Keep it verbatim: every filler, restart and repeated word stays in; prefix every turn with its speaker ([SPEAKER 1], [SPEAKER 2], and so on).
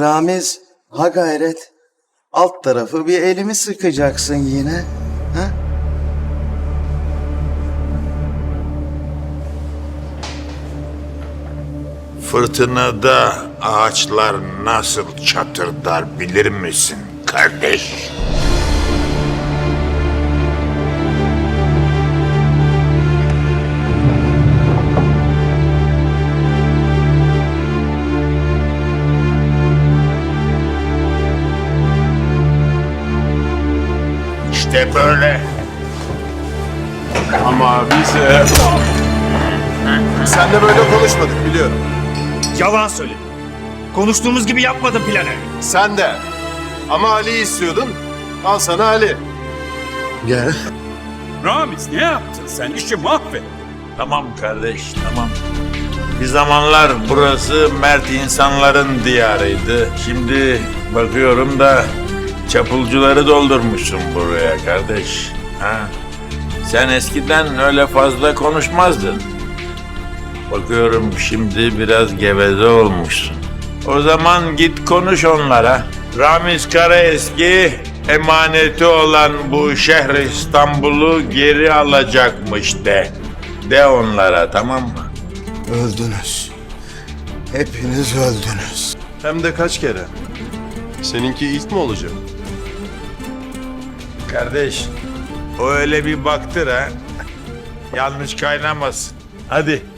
[SPEAKER 1] Ramiz, ha gayret. Alt tarafı bir elimi sıkacaksın yine. Ha?
[SPEAKER 2] Fırtınada ağaçlar nasıl çatırdar bilir misin kardeş? İşte böyle.
[SPEAKER 3] Ama biz... E... Sen de böyle konuşmadık biliyorum.
[SPEAKER 4] Yalan söyle. Konuştuğumuz gibi yapmadım planı.
[SPEAKER 3] Sen de. Ama Ali'yi istiyordun. Al sana Ali.
[SPEAKER 1] Gel.
[SPEAKER 5] Ramiz ne yaptın sen? İşi mahvet.
[SPEAKER 2] Tamam kardeş, tamam. Bir zamanlar burası mert insanların diyarıydı. Şimdi bakıyorum da çapulcuları doldurmuşsun buraya kardeş. Ha? Sen eskiden öyle fazla konuşmazdın. Bakıyorum şimdi biraz geveze olmuşsun. O zaman git konuş onlara. Ramiz Karaeski emaneti olan bu şehri İstanbul'u geri alacakmış de. De onlara, tamam mı?
[SPEAKER 1] Öldünüz. Hepiniz öldünüz.
[SPEAKER 3] Hem de kaç kere. Seninki ilk mi olacak?
[SPEAKER 2] Kardeş, o öyle bir baktır ha. Yanlış kaynamasın. Hadi.